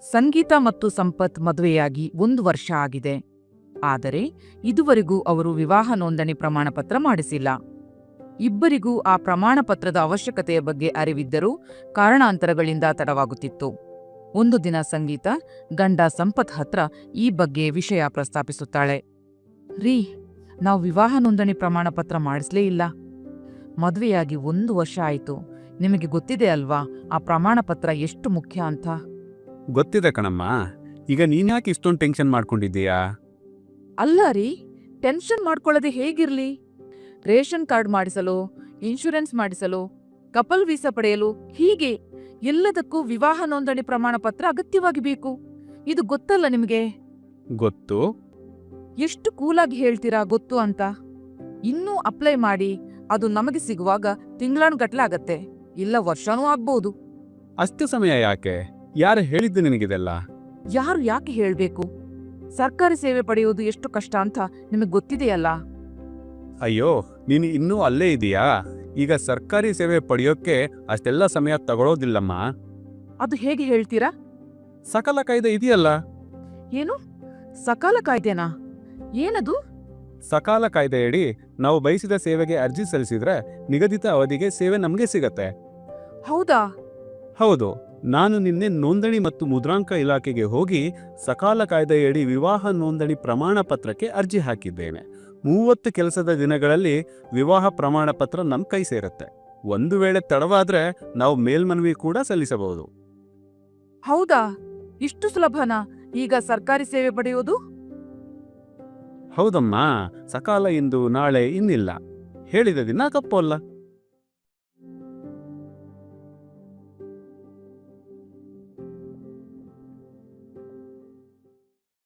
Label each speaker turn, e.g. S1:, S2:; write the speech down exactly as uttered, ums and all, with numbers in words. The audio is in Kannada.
S1: ಸಂಗೀತ ಮತ್ತು ಸಂಪತ್ ಮದುವೆಯಾಗಿ ಒಂದು ವರ್ಷ ಆಗಿದೆ. ಆದರೆ ಇದುವರೆಗೂ ಅವರು ವಿವಾಹ ನೋಂದಣಿ ಪ್ರಮಾಣಪತ್ರ ಮಾಡಿಸಿಲ್ಲ. ಇಬ್ಬರಿಗೂ ಆ ಪ್ರಮಾಣಪತ್ರದ ಅವಶ್ಯಕತೆಯ ಬಗ್ಗೆ ಅರಿವಿದ್ದರೂ ಕಾರಣಾಂತರಗಳಿಂದ ತಡವಾಗುತ್ತಿತ್ತು. ಒಂದು ದಿನ ಸಂಗೀತ ಗಂಡ ಸಂಪತ್ ಹತ್ರ ಈ ಬಗ್ಗೆ ವಿಷಯ ಪ್ರಸ್ತಾಪಿಸುತ್ತಾಳೆ. ರೀ, ನಾವು ವಿವಾಹ ನೋಂದಣಿ ಪ್ರಮಾಣಪತ್ರ ಮಾಡಿಸ್ಲೇ ಇಲ್ಲ. ಮದುವೆಯಾಗಿ ಒಂದು ವರ್ಷ ಆಯಿತು. ನಿಮಗೆ ಗೊತ್ತಿದೆ ಅಲ್ವಾ ಆ ಪ್ರಮಾಣಪತ್ರ ಎಷ್ಟು ಮುಖ್ಯ ಅಂತ?
S2: ಗೊತ್ತಿದೆ ಕಣಮ್ಮ. ಈಗ ನೀನ್ಯಾಕೆ ಇಷ್ಟೊಂದು ಟೆನ್ಷನ್ ಮಾಡ್ಕೊಂಡಿದ್ದೀಯಾ?
S1: ಅಲ್ಲ ರೀ, ಟೆನ್ಷನ್ ಮಾಡ್ಕೊಳ್ಳದೆ ಹೇಗಿರ್ಲಿ? ರೇಷನ್ ಕಾರ್ಡ್ ಮಾಡಿಸಲು, ಇನ್ಶೂರೆನ್ಸ್ ಮಾಡಿಸಲು, ಕಪಲ್ ವೀಸಾ ಪಡೆಯಲು, ಹೀಗೆ ಎಲ್ಲದಕ್ಕೂ ವಿವಾಹ ನೋಂದಣಿ ಪ್ರಮಾಣ ಪತ್ರ ಅಗತ್ಯವಾಗಿ ಬೇಕು. ಇದು ಗೊತ್ತಲ್ಲ ನಿಮಗೆ?
S2: ಗೊತ್ತು.
S1: ಎಷ್ಟು ಕೂಲಾಗಿ ಹೇಳ್ತೀರಾ ಗೊತ್ತು ಅಂತ? ಇನ್ನೂ ಅಪ್ಲೈ ಮಾಡಿ ಅದು ನಮಗೆ ಸಿಗುವಾಗ ತಿಂಗಳಾನುಗಟ್ಲೆ ಆಗತ್ತೆ, ಇಲ್ಲ ವರ್ಷನೂ ಆಗ್ಬೋದು.
S2: ಅಷ್ಟು ಸಮಯ ಯಾಕೆ? ಯಾರು ಹೇಳಿದ್ದು ನಿನಗಿದೆಲ್ಲ?
S1: ಯಾರು ಯಾಕೆ ಹೇಳ್ಬೇಕು? ಸರ್ಕಾರಿ ಸೇವೆ ಪಡೆಯುವುದು ಎಷ್ಟು ಕಷ್ಟ ಅಂತ ನಿಮಗೆ ಗೊತ್ತಿದೆಯಲ್ಲ.
S2: ಅಯ್ಯೋ, ನೀನು ಇನ್ನೂ ಅಲ್ಲೇ ಇದೀಯಾ? ಈಗ ಸರ್ಕಾರಿ ಸೇವೆ ಪಡೆಯೋಕ್ಕೆ ಅಷ್ಟೆಲ್ಲ ಸಮಯ ತಗೊಳ್ಳೋದಿಲ್ಲಮ್ಮ.
S1: ಅದು ಹೇಗೆ ಹೇಳ್ತೀರಾ?
S2: ಸಕಾಲ ಕಾಯ್ದೆ ಇದೆಯಲ್ಲ.
S1: ಏನು ಸಕಾಲ ಕಾಯ್ದೆನಾ? ಏನದು?
S2: ಸಕಾಲ ಕಾಯ್ದೆಯಡಿ ನಾವು ಬಯಸಿದ ಸೇವೆಗೆ ಅರ್ಜಿ ಸಲ್ಲಿಸಿದ್ರೆ ನಿಗದಿತ ಅವಧಿಗೆ ಸೇವೆ ನಮಗೆ ಸಿಗತ್ತೆ.
S1: ಹೌದಾ?
S2: ಹೌದು. ನಾನು ನಿನ್ನೆ ನೋಂದಣಿ ಮತ್ತು ಮುದ್ರಾಂಕ ಇಲಾಖೆಗೆ ಹೋಗಿ ಸಕಾಲ ಕಾಯ್ದೆಯಡಿ ವಿವಾಹ ನೋಂದಣಿ ಪ್ರಮಾಣ ಪತ್ರಕ್ಕೆ ಅರ್ಜಿ ಹಾಕಿದ್ದೇನೆ. ಮೂವತ್ತು ಕೆಲಸದ ದಿನಗಳಲ್ಲಿ ವಿವಾಹ ಪ್ರಮಾಣ ಪತ್ರ ನಮ್ಮ ಕೈ ಸೇರುತ್ತೆ. ಒಂದು ವೇಳೆ ತಡವಾದ್ರೆ ನಾವು ಮೇಲ್ಮನವಿ ಕೂಡ ಸಲ್ಲಿಸಬಹುದು.
S1: ಹೌದಾ? ಇಷ್ಟು ಸುಲಭನಾ ಈಗ ಸರ್ಕಾರಿ ಸೇವೆ ಪಡೆಯುವುದು?
S2: ಹೌದಮ್ಮ, ಸಕಾಲ ಇಂದು ನಾಳೆ ಇನ್ನಿಲ್ಲ. ಹೇಳಿದ ದಿನ ತಪ್ಪಲ್ಲ.